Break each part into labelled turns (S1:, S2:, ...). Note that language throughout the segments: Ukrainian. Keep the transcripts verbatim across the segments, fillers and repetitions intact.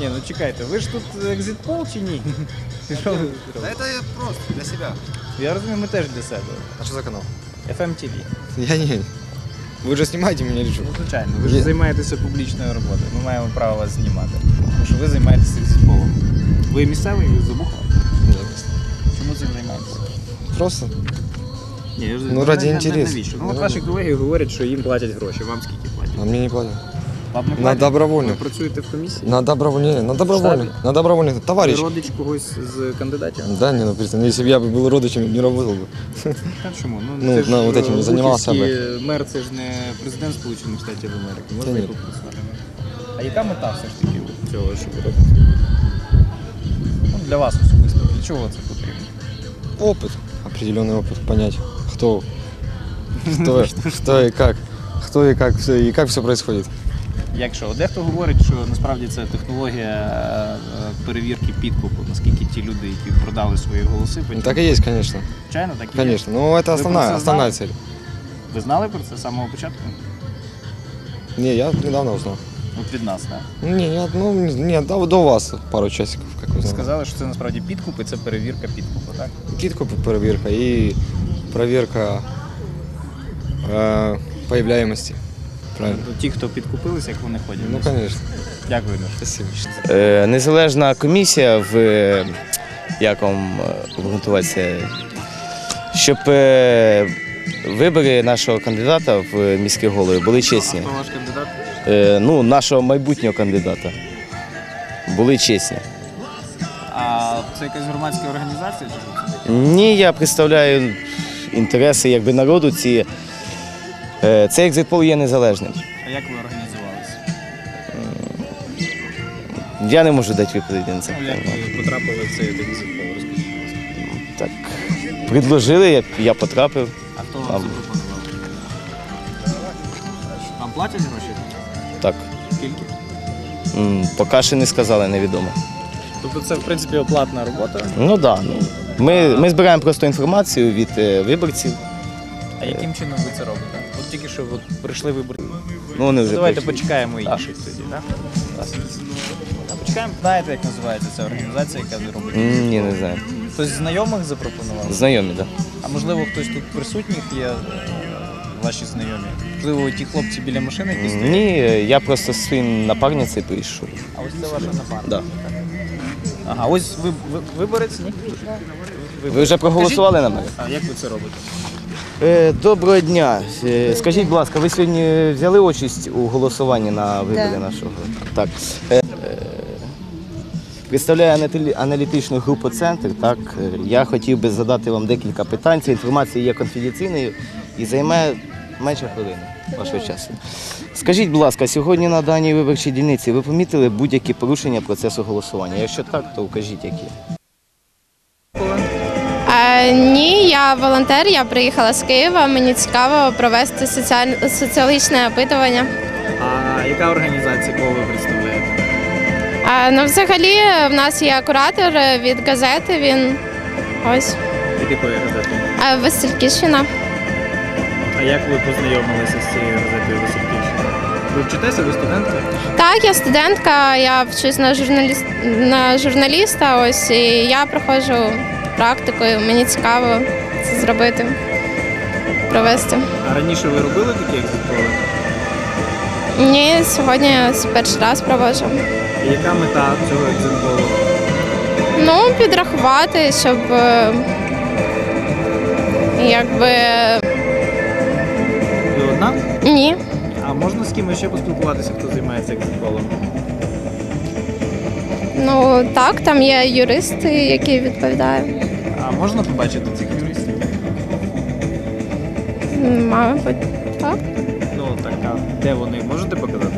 S1: Ні, ну чекайте, ви ж тут екзит-пол чи ні?
S2: Да это просто для себя.
S1: Я розумію, ми теж для себе.
S2: А что за канал?
S1: еф ем ті ві.
S2: Я не... Вы же снимаете меня или что?
S1: Ну, звичайно, ви ж займаєтеся публічною роботою. Ми маємо право вас знімати. Тому що ви займаєтеся екзит-полом. Ви місцевий, ви з Обухова?
S2: Нет.
S1: Чому цим займаєтеся?
S2: Просто.
S1: Ні, я ж-
S2: Ну, ради
S1: на- на-
S2: інтересу.
S1: Навіщо? Ну,
S2: Ну,
S1: от ваші колеги говорять, що їм платять гроші. Вам скільки платять?
S2: А мне не платят.
S1: Вам не
S2: На
S1: платять?
S2: добровольно.
S1: Ви працюєте в комісії?
S2: На добровольно. На добровольно. На добровольно.
S1: Ви
S2: Товарищ.
S1: родич когось з кандидатів?
S2: Да, не, ну представь, если бы я был родичем, не работал бы.
S1: Та чому?
S2: Ну,
S1: це ж,
S2: на вот этим не
S1: е,
S2: займався
S1: Бухівський мер, це ж не президент Сполучених Штатів Америки. Можна
S2: Та
S1: і
S2: ні.
S1: попрацювати. А яка мета все ж таки у цього, що ви робите? Ну, для вас особисто. Для чого це потрібно?
S2: Опыт. Определенный опыт. Понять, кто, кто, что и как. Кто и как, все, и как все происходит.
S1: Якщо дехто говорить, що насправді це технологія е, перевірки підкупу, наскільки ті люди, які продали свої голоси, потім...
S2: Так и есть, конечно.
S1: Звичайно, так і є.
S2: Конечно. Но это
S1: Вы
S2: основная,
S1: просто
S2: основная
S1: знали?
S2: цель.
S1: Ви знали про це з самого початку?
S2: Не, я недавно узнал.
S1: От від нас, так?
S2: Не, я, ну, не, до, до вас пару часиков, как вы
S1: Ви
S2: знали.
S1: сказали, що це насправді підкуп і це перевірка підкупу, так?
S2: Китку проверка и проверка э, появляемости. Правильно?
S1: Тобто ті, хто підкупилися, як вони ходять.
S2: Ну, конечно.
S1: Дякую, Леш.
S2: Спасибо.
S3: Е, Незалежна комісія в е, як вам е, обґрунтуватися, щоб е, вибори нашого кандидата в міські голови були чесні.
S1: Хто ваш кандидат?
S3: Е, Ну, нашого майбутнього кандидата були чесні.
S1: А це якась громадська організація? Чи що це?
S3: Ні, я представляю інтереси якби народу. Ці, е, цей екзит-пол є незалежним.
S1: А як ви організувалися?
S3: Я не можу дати відповіді на це
S1: Ну, як
S3: питання.
S1: ви потрапили в цей екзит-пол? Розкажіть, будь ласка.
S3: Так, предложили, я, я потрапив.
S1: А хто вам
S3: Там.
S1: запропонував? Вам платять гроші?
S3: Так,
S1: Скільки?
S3: м, поки ще не сказали, невідомо.
S1: Тобто це, в принципі, оплатна робота.
S3: Ну так. Да, ну. Ми, ми збираємо просто інформацію від е, виборців.
S1: А яким чином ви це робите? От тільки що от прийшли виборці.
S3: Ну, вони вже
S1: Давайте
S3: прийшли.
S1: почекаємо інших тоді, так? А почекаємо. Знаєте, як називається ця організація, яка робить?
S3: М, Ні, не знаю.
S1: Хтось з знайомих запропонував?
S3: Знайомі, так.
S1: А можливо, хтось тут присутніх є, е, ваші знайомі? Можливо, ті хлопці біля машини якісь
S3: Да.
S1: стоять?
S3: Ні, я просто з своїм напарницею прийшов.
S1: А ось це ваша напарниця?
S3: Да.
S1: Ага, ось ви, ви виборець, ні?
S3: Ви вже проголосували на мене?
S1: А як ви це робите?
S3: Е, Доброго дня. Е, Скажіть, будь ласка, ви сьогодні взяли участь у голосуванні на виборі
S4: Да.
S3: нашого? Так. Е, е, Представляю анатолі- аналітичну групу «Центр». Так. Е, Я хотів би задати вам декілька питань. Ця інформація є конфіденційною і займає менше хвилини вашого часу. Скажіть, будь ласка, сьогодні на даній виборчій дільниці ви помітили будь-які порушення процесу голосування? Якщо так, то вкажіть, які.
S4: А, ні, я волонтер, я приїхала з Києва. Мені цікаво провести соціаль... соціологічне опитування.
S1: А яка організація, кого ви представляєте?
S4: А, ну, взагалі, в нас є куратор від газети. Він ось
S1: Від якої газети?
S4: а, Васильківщина.
S1: А як ви познайомилися з цією газетою Васильківщина? Ви вчитеся, ви студентка?
S4: Так, я студентка, я вчусь на журналіст... на журналіста. Ось і я проходжу практику. і Мені цікаво це зробити, провести.
S1: А раніше ви робили такі екзит-поли?
S4: Ні, сьогодні я перший раз проводжу.
S1: І яка мета цього екзит-полу?
S4: Ну, підрахувати, щоб е, якби
S1: Ви одна?
S4: ні.
S1: А можна з кимось ще поспілкуватися, хто займається екзит-полом?
S4: Ну так, там є юристи, які відповідають.
S1: А можна побачити цих юристів?
S4: Мабуть, так.
S1: Ну так, а де вони? Можете показати?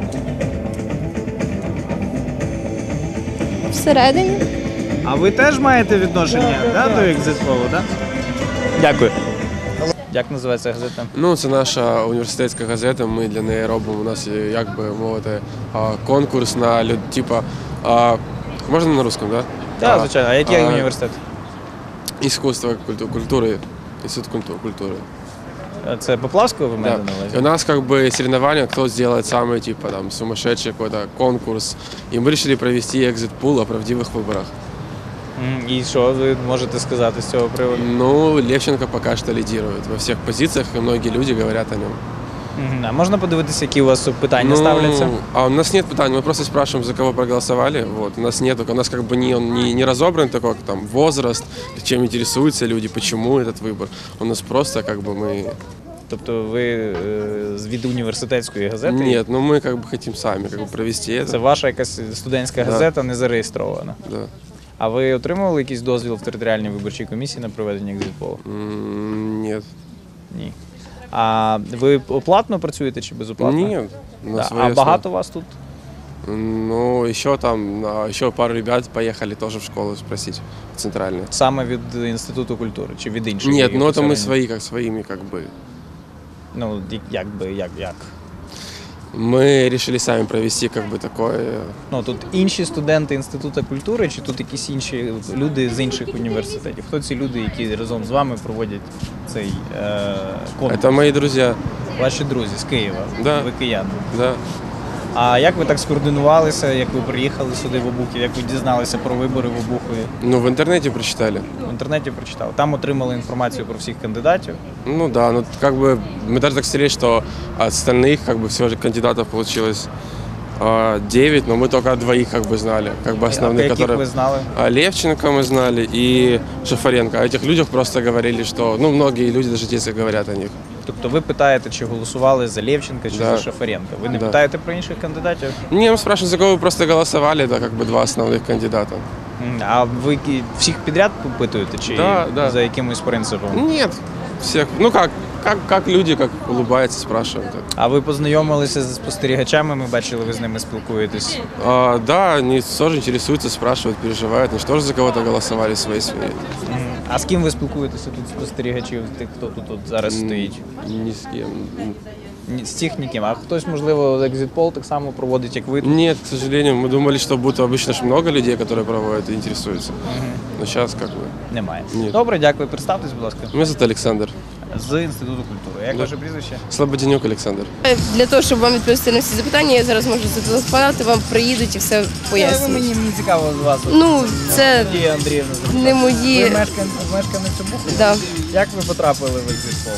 S4: Всередині.
S1: А ви теж маєте відношення да, до екзит-полу, так? Дякую. Як називається газета?
S5: Ну, це наша університетська газета, ми для неї робимо, у нас є, як би мовити, а, конкурс на люд, типа, а, можна на русском, да?
S1: Так, звичайно. А який
S5: а,
S1: університет?
S5: Іскусство, культу- культури, інститут культу- культури.
S1: Це Поплавського ви
S5: Да.
S1: маєте на
S5: И
S1: увазі?
S5: у нас как бы соревнования, кто сделает самый типа там сумасшедший какой-то конкурс. И мы решили провести экзит-пул о правдивых выборах.
S1: М, І що ви можете сказати з цього приводу?
S5: Ну, Левченко пока что лидирует во всех позициях, и многие люди говорят о нем.
S1: Мгм. А можна подивитися, які у вас питання
S5: Ну,
S1: ставляться?
S5: А у нас нет питаний, мы просто спрашиваем, за кого проголосовали. Вот. У нас нет, у нас как бы не, он не, не разобран такой, как там возраст, чем интересуются люди, почему этот выбор. У нас просто как бы мы...
S1: Тобто ви е, з- від університетської газети?
S5: Нет, ну мы как бы хотим сами как бы провести это.
S1: Це ваша якась студентська
S5: Да.
S1: газета, не зареєстрована.
S5: Да.
S1: А ви отримували якийсь дозвіл в територіальній виборчій комісії на проведення екзит-полу?
S5: М, Нет.
S1: Ні. А ви оплатно працюєте чи безоплатно?
S5: Нет. на
S1: Да.
S5: свои
S1: А
S5: основы.
S1: багато вас тут?
S5: Ну, еще там, а, еще пару ребят поехали тоже в школу спросить, в центральную.
S1: Саме від Інституту культури чи від інших?
S5: Нет,
S1: які
S5: ну это мы
S1: посередині?
S5: свои, как своими, как бы.
S1: Ну, як- як би, як, як?
S5: Мы решили сами провести как бы такое.
S1: Ну, тут інші студенти Інституту культури, чи тут якісь інші люди з інших університетів? Хто ці люди, які разом з вами проводять цей е, конкурс?
S5: Это мои друзья,
S1: Ваші друзі з Києва.
S5: Да.
S1: Ви кияни.
S5: да.
S1: А як ви так скоординувалися, як ви приїхали сюди в Обухів, як ви дізналися про вибори в Обухові?
S5: Ну, в интернете прочитали.
S1: В інтернеті прочитали. Там отримали інформацію про всіх кандидатів.
S5: Ну да, ну как бы мы даже так сели, что от остальных как бы всего же кандидатов получилось а, девять, но мы только двоих как бы знали, как бы
S1: А
S5: основных,
S1: яких
S5: которые...
S1: ви знали?
S5: А Левченко мы знали и Шафаренко. О этих людях просто говорили, что, ну, многие люди даже здесь говорят о них.
S1: Тобто ви питаєте, чи голосували за Левченка, чи
S5: Да.
S1: за Шафаренка. Ви не
S5: Да.
S1: питаєте про інших кандидатів?
S5: Не, мы спрашиваем, за кого вы просто голосовали, это как бы два основных кандидата.
S1: М, А ви ки- всіх підряд попитуєте, чи
S5: Да, да.
S1: за якимось принципом?
S5: Нет, всех, ну как, как, как люди, как улыбаются, спрашивают.
S1: А ви познайомилися з спостерігачами, ми бачили, ви з ними спілкуєтесь.
S5: А, да, они тоже интересуются, спрашивают, переживают, они же тоже за кого-то голосовали свои свои.
S1: М, А з ким ви спілкуєтеся тут спостерігачів, тих, хто тут от зараз стоїть?
S5: Ни с кем.
S1: Ні, з цих ніким. А хтось, можливо, екзит-пол так само проводить, як ви тут?
S5: Нет, к сожалению, мы думали, что будет обычно ж много людей, которые проводят и интересуются. Но сейчас как бы.
S1: Немає.
S5: Ні.
S1: Добре, дякую. Представтесь, будь ласка.
S5: Меня зовут Александр.
S1: З Інституту культури. Як
S5: Да.
S1: ваше прізвище?
S5: Слободенюк Александр.
S6: Для того, щоб вам відповісти на всі запитання, я зараз можу зателефонувати, вам приїдуть і все
S1: Ви
S6: пояснять.
S1: мені, мені цікаво з вас.
S6: Ну, це
S1: Надія Андріївна.
S6: не
S1: Ви
S6: мої.
S1: мешкан- мешканець Обухова?
S6: Да.
S1: Як ви потрапили в екзит-пол?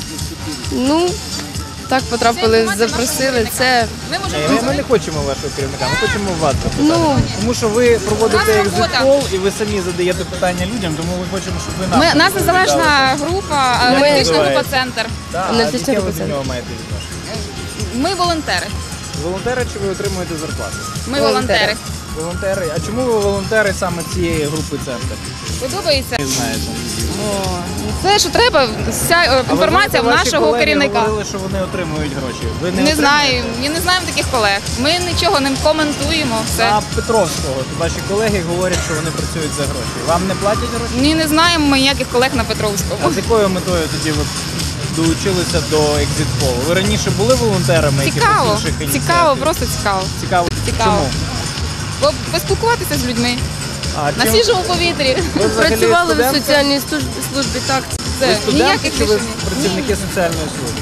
S6: Ну, так потрапили, запросили. Це
S1: Ні, Ми, ми не хочемо вашого керівника, ми хочемо вас запитати.
S6: Ну.
S1: Тому що ви проводите екзит-пол і ви самі задаєте питання людям, тому ми хочемо, щоб ви нам
S7: Ми, нас
S1: відповідали.
S7: незалежна група,
S1: Як
S7: аналітична група
S1: називається?
S7: «Центр».
S1: Да, а
S6: аналітична
S1: яке ви
S6: група
S1: до
S6: «Центр».
S1: нього маєте відношення?
S7: Ми волонтери.
S1: Волонтери чи ви отримуєте зарплату?
S7: Ми
S6: Волонтери.
S7: волонтери.
S1: Волонтери. А чому ви волонтери саме цієї групи «Центр»?
S7: Подобається.
S1: Не знаєте.
S7: Все, що треба, вся е,
S1: А ви
S7: інформація в
S1: знаєте, ваші
S7: нашого
S1: колеги
S7: керівника.
S1: говорили, що вони отримують гроші. Ви не,
S7: Не
S1: отримуєте?
S7: знаю, я не знаємо таких колег. Ми нічого не коментуємо. Все.
S1: А Петровського, ваші колеги говорять, що вони працюють за гроші. Вам не платять гроші?
S7: Ні, не знаємо ми ніяких колег на
S1: А
S7: Петровському.
S1: з якою метою тоді ви долучилися до екзит-полу? Ви раніше були волонтерами?
S7: Цікаво,
S1: якихось інших ініціатив?
S7: цікаво, просто цікаво.
S1: Цікаво.
S7: Цікаво.
S1: Чому?
S7: Бо поспілкуватися з людьми
S1: А,
S7: на
S1: чим-
S7: свіжому повітрі.
S1: Ви взагалі
S6: працювали в
S1: студентка?
S6: соціальній службі, службі так.
S1: Ви
S7: Це
S1: студенти
S7: ніяких
S1: чи ви
S7: рішень.
S1: працівники соціальної служби?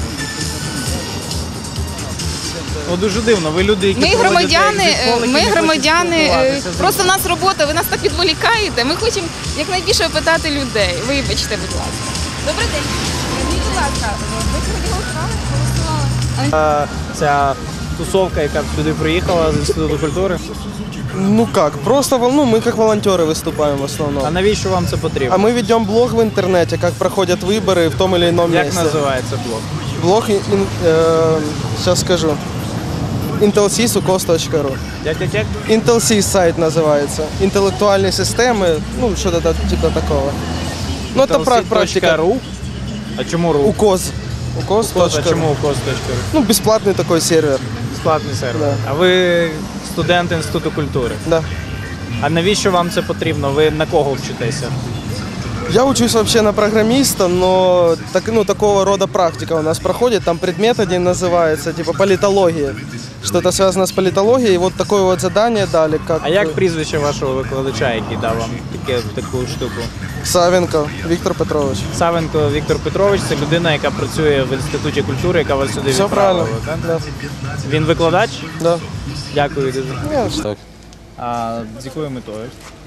S1: Ну, дуже дивно. Ви люди, які
S7: Ми
S1: проводять
S7: громадяни,
S1: екзит-пол, які
S7: ми
S1: не хочуть
S7: громадяни, е,
S1: спілкуватися з
S7: просто в нас робота, ви нас так відволікаєте. Ми хочемо якнайбільше опитати людей. Вибачте, будь ласка. Добрий день. Скажіть, будь ласка, ви сьогодні голосували? Голосували.
S1: А, ця тусовка, яка сюди приїхала з Інституту культури.
S8: Ну как, просто вол- ну, мы как волонтеры выступаем в
S1: А
S8: основном.
S1: навіщо вам це потрібно?
S8: А мы ведем блог в интернете, как проходят выборы в том или ином
S1: Як
S8: месте.
S1: називається блог?
S8: Блог, сейчас скажу, intelsys.ukos точка ру.
S1: Як, як, як?
S8: Intelsys сайт называется. Интеллектуальные системы, ну что-то та- типа такого. Ну это пра- практика.
S1: .ру? А чому ру?
S8: укос. укос.
S1: Укос, а чому укос.ру?
S8: Ну бесплатный такой сервер.
S1: Безплатний сервер.
S8: Да.
S1: А ви студент Інституту культури.
S8: Да.
S1: А навіщо вам це потрібно? Ви на кого вчитеся?
S8: Я учусь вообще на программиста, но так, ну, такого рода практика у нас проходит. Там предмет один называется, типа политология. Что-то связано с политологией. И вот такое вот задание дали. Как
S1: А як прізвище вашого викладача, який дав вам таке, таку штуку?
S8: Савенко Віктор Петрович.
S1: Савенко Віктор Петрович – це людина, яка працює в Інституті культури, яка вас сюди
S8: Все
S1: відправила.
S8: правильно.
S1: Так?
S8: Да.
S1: Він викладач?
S8: Да.
S1: Дякую дуже.
S8: Ні,
S2: Так.
S1: А з якою метою?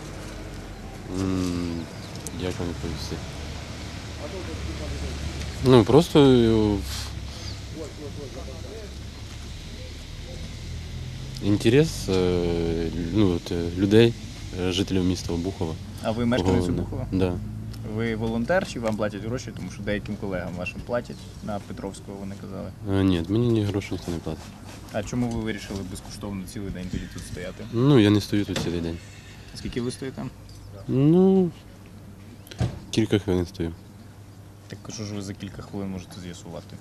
S2: М, Як вам відповісти? Ну, просто е, інтерес е, ну, от, е, людей, е, жителів міста Обухова.
S1: А ви мешканець
S2: Кого-
S1: Обухова?
S2: Да.
S1: Ви волонтер чи вам платять гроші? Тому що деяким колегам вашим платять на Петровського, вони казали.
S2: Е, Ні, мені ні грошей ніхто не платить.
S1: А чому ви вирішили безкоштовно цілий день тоді тут стояти?
S2: Ну, я не стою тут цілий день.
S1: Скільки ви стоїте?
S2: Ну, кілька хвилин стою.
S1: Так що ж ви за кілька хвилин можете з'ясувати?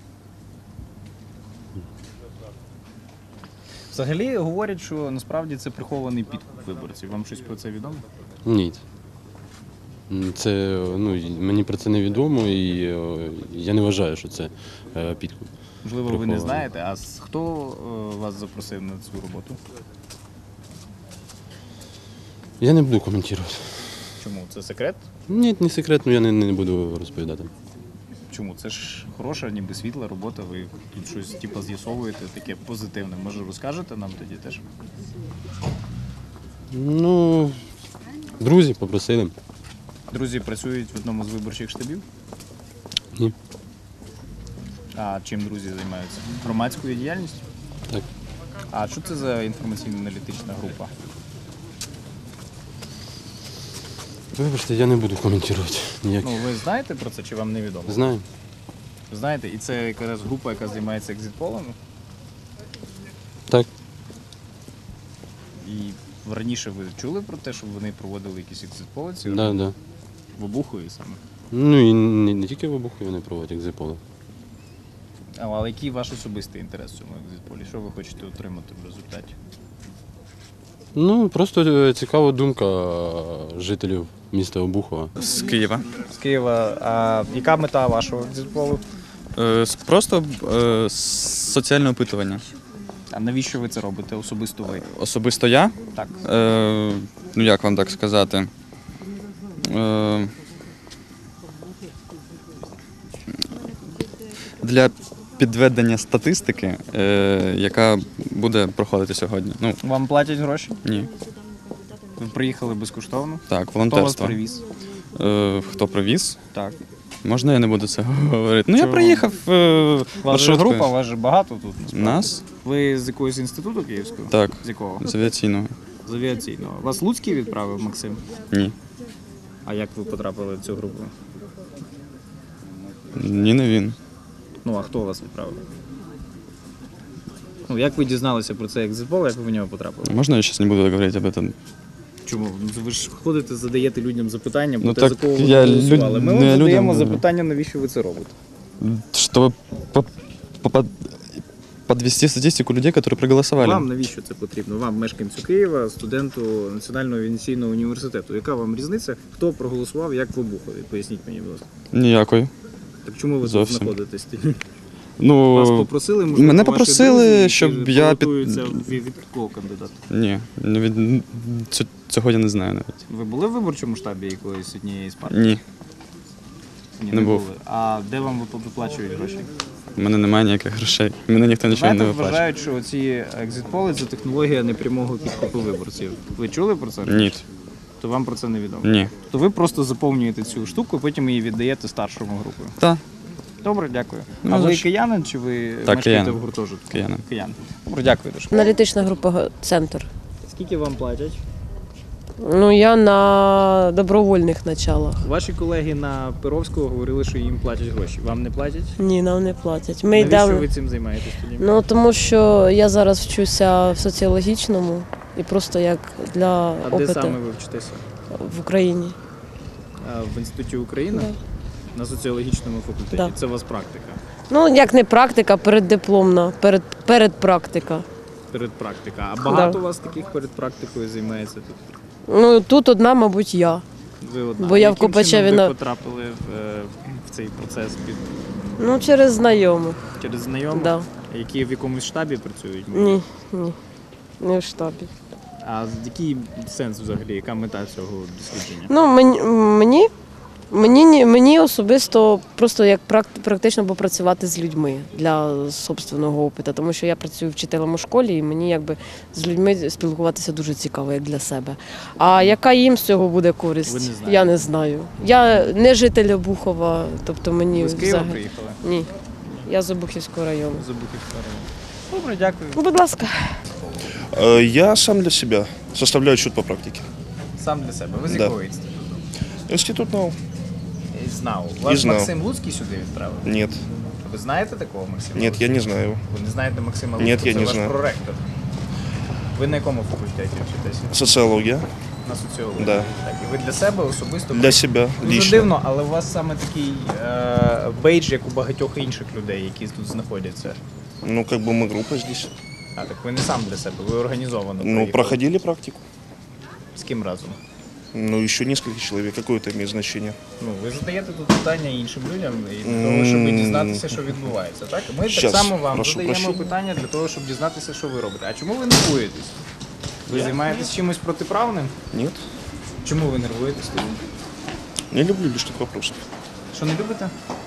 S1: Взагалі говорять, що насправді це прихований підкуп виборців. Вам щось про це відомо?
S2: Ні. М, Це, ну, й- мені про це не відомо, і е, я не вважаю, що це е, підкуп.
S1: Можливо, ви не
S2: Прихований.
S1: знаєте, а с- хто е, вас запросив на цю роботу?
S2: Я не буду коментувати.
S1: Чому? Це секрет?
S2: Ні, не секретно, я не, не буду розповідати.
S1: Чому? Це ж хороша, ніби світла робота, ви тут щось типу, з'ясовуєте, таке позитивне. Може розкажете нам тоді теж?
S2: Ну, друзі попросили.
S1: Друзі працюють в одному з виборчих штабів?
S2: Ні.
S1: А чим друзі займаються? Громадською діяльністю?
S2: Так.
S1: А що це за інформаційно-аналітична група?
S2: Вибачте, я не буду коментувати ніяк.
S1: Ну, ви знаєте про це чи вам невідомо?
S2: Знаю.
S1: Знаєте, і це якраз група, яка займається екзитполами?
S2: Так.
S1: І раніше ви чули про те, щоб вони проводили якісь екзитполи ці
S2: Да, да.
S1: в Обухові саме?
S2: Ну і не, не тільки в Обухові вони проводять екзитполи.
S1: А, але який ваш особистий інтерес в цьому екзитполі? Що ви хочете отримати в результаті?
S2: Ну, просто е, цікава думка е, жителів міста Обухова.
S9: З Києва.
S1: З Києва. А яка мета вашого екзитполу?
S9: Е, с- Просто е, с- соціальне опитування.
S1: А навіщо ви це робите? Особисто ви?
S9: Особисто я.
S1: Так.
S9: Е, Ну як вам так сказати? Е, Для підведення статистики, е, яка буде проходити сьогодні. Ну,
S1: Вам платять гроші?
S9: ні.
S1: Ви приїхали безкоштовно?
S9: Так,
S1: Хто вас
S9: волонтерство.
S1: привіз?
S9: Е, Хто привіз?
S1: Так.
S9: Можна я не буду це говорити? Ну, я
S1: Чого?
S9: приїхав е,
S1: У вас же
S9: маршруткою.
S1: група, у вас же багато тут. насправді.
S9: Нас?
S1: Ви з якогось інституту київського?
S9: Так,
S1: З якого?
S9: з авіаційного.
S1: З авіаційного. Вас Луцький відправив, Максим?
S9: Ні.
S1: А як ви потрапили в цю групу?
S9: Ні, не він.
S1: Ну, а хто вас відправив? Ну, як ви дізналися про цей екзитпол, як ви в нього потрапили?
S9: Можна я зараз не буду говорити об этом?
S1: Чому? Ну, ви ж ходите, задаєте людям запитання, про
S9: Ну,
S1: те,
S9: так
S1: за кого ви
S9: я
S1: голосували.
S9: люд-
S1: Ми вам
S9: не
S1: задаємо
S9: людям-
S1: запитання, навіщо ви це робите.
S9: Чтобы по- по- под- подвести статистику людей, которые проголосовали.
S1: Вам навіщо це потрібно? Вам, мешканцю Києва, студенту Національного авіаційного університету. Яка вам різниця, хто проголосував, як в Обухові? Поясніть мені, будь ласка.
S9: Ніякої.
S1: Так чому ви
S9: Зовсім.
S1: тут знаходитесь? тоді?
S9: Ну,
S1: Вас попросили, можливо,
S9: мене
S1: ваші
S9: попросили,
S1: друзі, які
S9: щоб я під-
S1: балотуються від, від якого кандидата?
S9: ні, не від... ц- цього я не знаю навіть.
S1: Ви були в виборчому штабі якоїсь однієї з партій?
S9: Ні,
S1: Ні,
S9: не був.
S1: були. А де вам виплачують гроші?
S9: в мене немає ніяких грошей. Мене ніхто нічого
S1: Знаєте,
S9: не виплачує.
S1: вважають, що ці екзитполи – це технологія непрямого підкупу виборців. Ви чули про це?
S9: Ні,
S1: То вам про це не відомо?
S9: ні.
S1: То ви просто заповнюєте цю штуку, потім її віддаєте старшому групою.
S9: Та,
S1: Добре, дякую.
S9: Ну,
S1: а
S9: за
S1: ви
S9: що?
S1: киянин чи ви мешкаєте
S9: киянин.
S1: в гуртожитку?
S9: Киянин.
S1: Киянин. Добре, дякую дуже.
S10: Аналітична група «Центр».
S1: Скільки вам платять?
S10: Ну, я на добровольних началах.
S1: Ваші колеги на Перовського говорили, що їм платять гроші. Вам не платять?
S10: Ні, нам не платять. Ми
S1: Навіщо
S10: йдемо.
S1: ви цим займаєтесь тоді?
S10: Ну, тому що я зараз вчуся в соціологічному і просто як для
S1: а де
S10: опиту
S1: саме ви вчитеся?
S10: в Україні.
S1: А, в Інституті України?
S10: Да.
S1: На соціологічному факультеті.
S10: Да.
S1: Це у вас практика?
S10: Ну, як не практика, переддипломна, перед, передпрактика.
S1: Передпрактика. А багато
S10: Да.
S1: у вас таких перед практикою займається тут?
S10: Ну, тут одна, мабуть, я.
S1: Ви одна.
S10: Бо я в
S1: Яким
S10: Копачеві
S1: чином ви
S10: на-
S1: потрапили в, е, в цей процес під
S10: Ну, через знайомих.
S1: через знайомих,
S10: Да.
S1: які в якомусь штабі працюють?
S10: Ні, ні. Не в штабі.
S1: А який сенс взагалі, яка мета цього дослідження?
S10: Ну, мені, мені, мені, ні- мені особисто просто як практи- практично попрацювати з людьми для собственного опиту, тому що я працюю вчителем у школі, і мені якби з людьми спілкуватися дуже цікаво, як для себе. А яка їм з цього буде користь?
S1: Ви не знаєте?
S10: Я не знаю. Я не житель Обухова, тобто мені
S1: Ви з Києва
S10: взагалі-
S1: приїхали?
S10: Ні. Я з Обухівського району.
S1: З Обухівського району. Добре, дякую.
S10: Ну, будь ласка.
S11: Э, Я сам для себя составляю отчет по практике.
S1: Сам для себе. Ви з
S11: Да.
S1: якого інституту?
S11: Институт НАУ?
S1: Знав. Вас
S11: знав.
S1: Максим Луцький сюди відправив?
S11: Нет.
S1: Ви знаєте такого Максима?
S11: Нет, я не знаю его.
S1: Ви не знаєте Максима
S11: Ні,
S1: Луцького?
S11: я
S1: Це
S11: не
S1: ваш
S11: знаю.
S1: проректор. Ви на якому факультеті вчитеся?
S11: Социология?
S1: На соціології?
S11: Да.
S1: Так, і ви для себе особисто?
S11: Для себя,
S1: Дуже
S11: лично.
S1: дивно, але у вас саме такий е, бейдж, як у багатьох інших людей, які тут знаходяться.
S11: Ну, как бы мы группа здесь.
S1: А, так ви не сам для себе, ви організовано
S11: Ну,
S1: приїхали.
S11: проходили практику.
S1: З ким разом?
S11: Ну, еще несколько человек. Какое это имеет значение?
S1: Ну, ви задаєте тут питання іншим людям і для того, щоб
S11: М.
S1: дізнатися, що відбувається. Так? Ми
S11: Щас,
S1: так само вам
S11: прошу
S1: задаємо
S11: прощення.
S1: питання для того, щоб дізнатися, що ви робите. А чому ви нервуєтесь? Ви займаєтесь чимось протиправним?
S11: Нет.
S1: Чому ви нервуєтесь тоді?
S11: Не люблю лишних вопросов.
S1: Що не любите?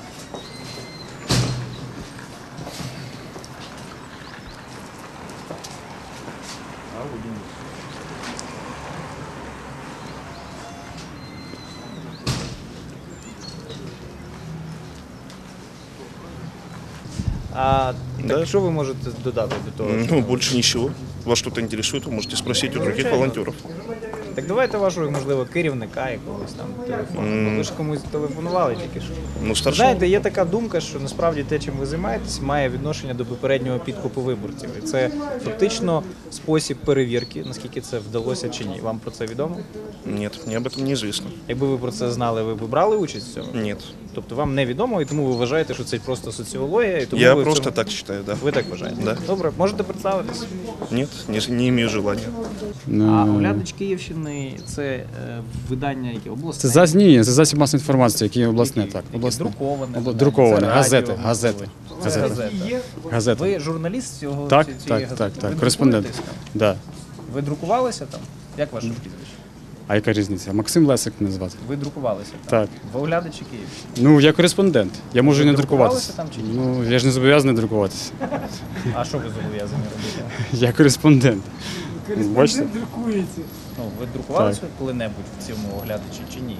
S1: А
S11: Да.
S1: так що ви можете додати до того?
S11: Ну, больше ничего. Вас что-то интересует, вы можете спросить у других волонтеров.
S1: Так давайте вашого, можливо, керівника якогось там телефону.
S11: М.
S1: Ви ж комусь телефонували тільки що.
S11: Ну, старшего.
S1: Знаєте, є така думка, що насправді те, чим ви займаєтесь, має відношення до попереднього підкупу виборців. І це фактично спосіб перевірки, наскільки це вдалося чи ні. Вам про це відомо?
S11: Нет, мне об этом неизвестно.
S1: Якби ви про це знали, ви б брали участь в цьому?
S11: Нет.
S1: Тобто вам не відомо, і тому ви вважаєте, що це просто соціологія, і тому
S11: Я
S1: ви в
S11: просто
S1: цьому...
S11: так считаю, да.
S1: Ви так вважаєте?
S11: Да.
S1: Добре, можете представитись?
S11: Нет, не, не имею желания.
S1: А «Оглядач Київщини» – це е, видання, яке обласне?
S12: Це засіб, ні, це засіб масової інформації, який обласне, так.
S1: Яке
S12: Обласне.
S1: друковане?
S12: Обла-
S1: видання?
S12: друковане,
S1: Це
S12: газети,
S1: радіо,
S12: газети,
S1: можливо?
S12: газети.
S1: Це газета.
S12: Газета.
S1: Ви журналіст цього
S12: Так,
S1: цієї
S12: так,
S1: газети?
S12: так, так,
S1: Ви
S12: кореспондент.
S1: друкуєтесь там?
S12: Да.
S1: Ви друкувалися там? Як ваше прізвище?
S12: А яка різниця? Максим Лесик мене звати.
S1: Ви друкувалися там?
S12: Так.
S1: В «Оглядачі Київщини».
S12: Ну, я кореспондент. Я можу і
S1: Ви
S12: не друкуватися.
S1: друкувалися там чи ні?
S12: Ну, я ж не зобов'язаний друкуватися.
S1: А що ви зобов'язані робити?
S12: Я кореспондент. Бачите?
S1: Ну, ви друкувалися коли-небудь в цьому «Оглядачі» чи ні?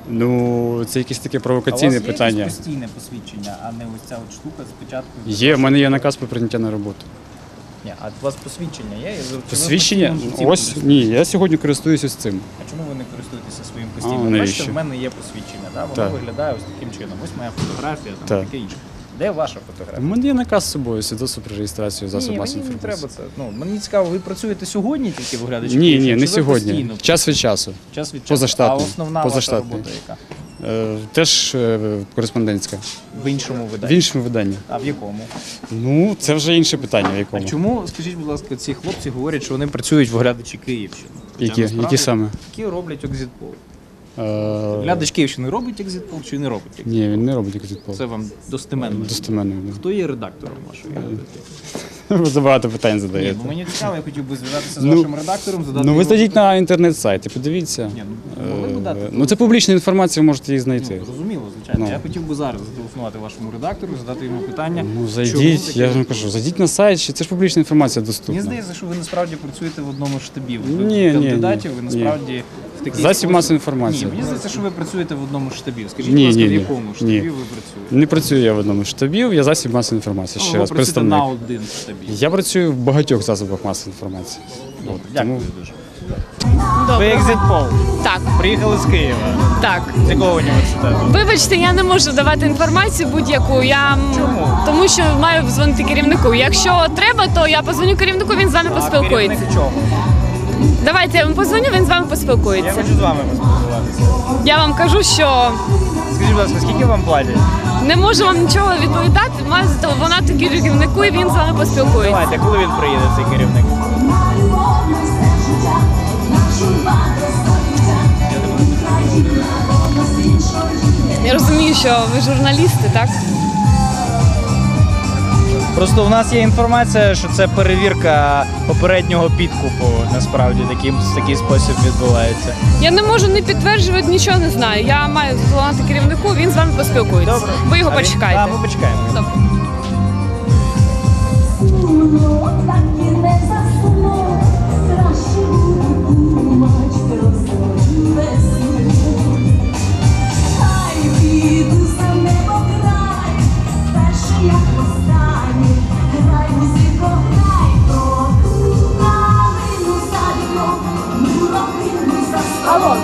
S12: Ну, це якесь таке
S1: А у
S12: провокаційне
S1: вас є
S12: питання.
S1: якесь постійне посвідчення, а не ось ця от штука спочатку?
S12: Є, в мене є наказ про прийняття на роботу.
S1: Ні, а у вас посвідчення є? Чи ви
S12: Посвідчення?
S1: постійно цим
S12: Ось
S1: користуєтесь?
S12: ні, я сьогодні користуюся з цим.
S1: А чому ви не користуєтеся своїм
S12: А,
S1: постійно?
S12: навіщо?
S1: Бачите, в мене є посвідчення, да? воно
S12: Так.
S1: виглядає ось таким чином. Ось моя фотографія, там
S12: Так.
S1: таке інше. Де ваша
S12: У
S1: фотографія?
S12: мене є наказ з собою, свідоцтво про реєстрацію засобів
S1: Ні,
S12: масової
S1: мені не
S12: інформації.
S1: треба це. Ну, мені цікаво, ви працюєте сьогодні тільки в «Оглядачі
S12: Ні,
S1: Київщини,
S12: ні, не
S1: чи ви
S12: сьогодні.
S1: постійно?
S12: Час від часу.
S1: Час від часу.
S12: Позаштатно.
S1: А основна
S12: Позаштатний.
S1: ваша робота яка?
S12: Е, Теж е, кореспондентська.
S1: В іншому
S12: В
S1: виданні?
S12: іншому виданні.
S1: А в якому?
S12: Ну, це вже інше питання, в
S1: А
S12: якому.
S1: чому, скажіть, будь ласка, ці хлопці говорять, що вони працюють в «Оглядачі Київщини»? Хоча
S12: Які?
S1: насправді
S12: Які саме?
S1: Які роблять екзитпол.
S12: Е,
S1: «Оглядач Київщини» робить екзитпол чи не робить екзитпол?
S12: Ні, він не робить екзитпол.
S1: Це вам достеменно.
S12: Достеменно.
S1: Хто є редактором вашої газети?
S12: Ви забагато питань
S1: Ні,
S12: задаєте.
S1: бо мені цікаво, я хотів би зв'язатися з
S12: Ну,
S1: вашим редактором, задати
S12: Ну, ви
S1: йому
S12: зайдіть
S1: питання.
S12: на інтернет-сайт і подивіться.
S1: Ні, ну, могли б дати
S12: Е, Ну, це публічна інформація, ви можете її знайти.
S1: Ну, зрозуміло, звичайно.
S12: Ну.
S1: Я хотів би зараз зателефонувати вашому редактору, задати йому питання.
S12: Ну,
S1: чому
S12: зайдіть,
S1: таке
S12: я ж вам
S1: відбувається.
S12: кажу, зайдіть на сайт, чи- це ж публічна інформація
S1: Мені
S12: доступна.
S1: здається, що ви насправді працюєте в одному з штабів. Ви
S12: Ні, ні,
S1: кандидатів, ви
S12: ні.
S1: насправді в такий
S12: Засіб
S1: спосіб-
S12: масової інформації.
S1: Ні, мені здається, що ви працюєте в одному з штабів. Скажіть,
S12: Ні,
S1: будь ласка,
S12: ні,
S1: в
S12: ні.
S1: якому штабі
S12: Ні.
S1: ви працюєте?
S12: Не працюю я в одному з штабів, я засіб масової інформації,
S1: Ну,
S12: ще
S1: ви
S12: раз,
S1: працюєте
S12: представник.
S1: на один штабі.
S12: Я працюю в багатьох засобах масової інформації. От,
S1: Дякую
S12: тому-
S1: дуже. Ви екзитпол.
S7: Так,
S1: Приїхали з Києва.
S7: так.
S1: З якого університету?
S7: Вибачте, я не можу давати інформацію будь-яку. Я м,
S1: Чому?
S7: тому що маю дзвонити керівнику. Якщо треба, то я позвоню керівнику, він з вами
S1: А
S7: поспілкується.
S1: керівник чого?
S7: Давайте я вам позвоню, він з вами
S1: Я
S7: поспілкується.
S1: хочу з вами поспілкуватися.
S7: Я вам кажу, що
S1: Скажіть, будь ласка, скільки вам платять?
S7: не можу вам нічого відповідати. Маю зателефонувати керівнику, і він з вами поспілкується.
S1: Давайте, коли він приїде, цей керівник?
S7: що ви журналісти, так?
S1: Просто в нас є інформація, що це перевірка попереднього підкупу. Насправді таким такий спосіб відбувається.
S7: Я не можу не підтверджувати, нічого не знаю. Я маю зателефонувати керівнику, він з вами поспілкується.
S1: Добре.
S7: Ви його
S1: А він-
S7: почекаєте.
S1: Так, ми почекаємо.
S7: Добре. Алло.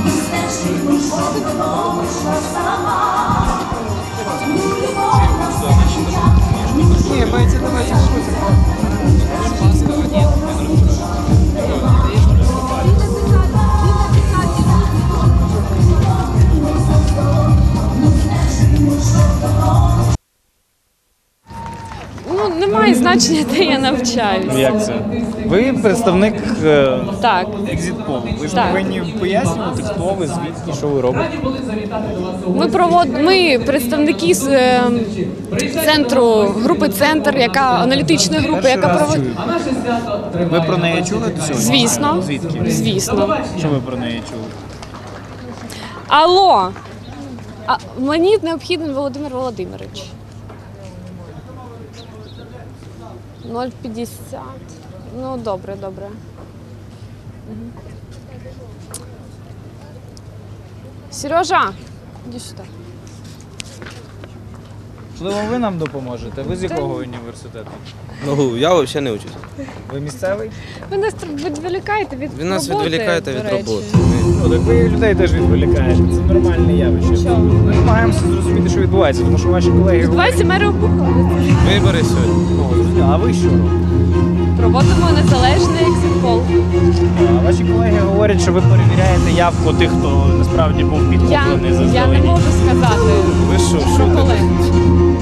S7: Ну, немає значення, де я навчаюся.
S1: Як це? Ви представник е,
S7: Так.
S1: екзит-полу. Ви ж
S7: Так.
S1: повинні пояснювати, хто ви, звідки, що ви робите.
S7: Ми провод... ми представники з е, центру групи Центр, яка аналітичної групи,
S1: Перший
S7: яка
S1: раз
S7: проводить.
S1: чую. Ви про неї чули до сьогодні?
S7: Звісно.
S1: Звідки?
S7: Звісно.
S1: Що ви про неї чули?
S7: Алло. А мені необхідний Володимир Володимирович. нуль п'ятдесят. Ну, добре, добре. Мгм. Сережа, іди сюди.
S1: Можливо, ви нам допоможете? Ви з якого університету?
S13: Ну, я взагалі не учусь.
S1: Ви місцевий?
S7: Ви нас відволікаєте від
S13: Ви нас
S7: роботи,
S13: відволікаєте
S7: до
S13: від
S7: речі.
S13: роботи.
S1: Ну, так ви людей теж відволікаєте. Це нормальне явище.
S7: Чого?
S1: Ми намагаємося зрозуміти, що відбувається, тому що ваші колеги
S7: Відбувається мери обухали.
S13: Вибори сьогодні.
S1: О, зрозуміло. А ви що робите?
S7: Проводимо незалежний екзит-пол.
S1: А ваші колеги говорять, що ви перевіряєте явку тих, хто насправді був
S7: Я,
S1: підкуплений
S7: я не
S1: заздалегідь.
S7: можу сказати
S13: Ви що,
S7: про
S13: шутите?
S7: колег.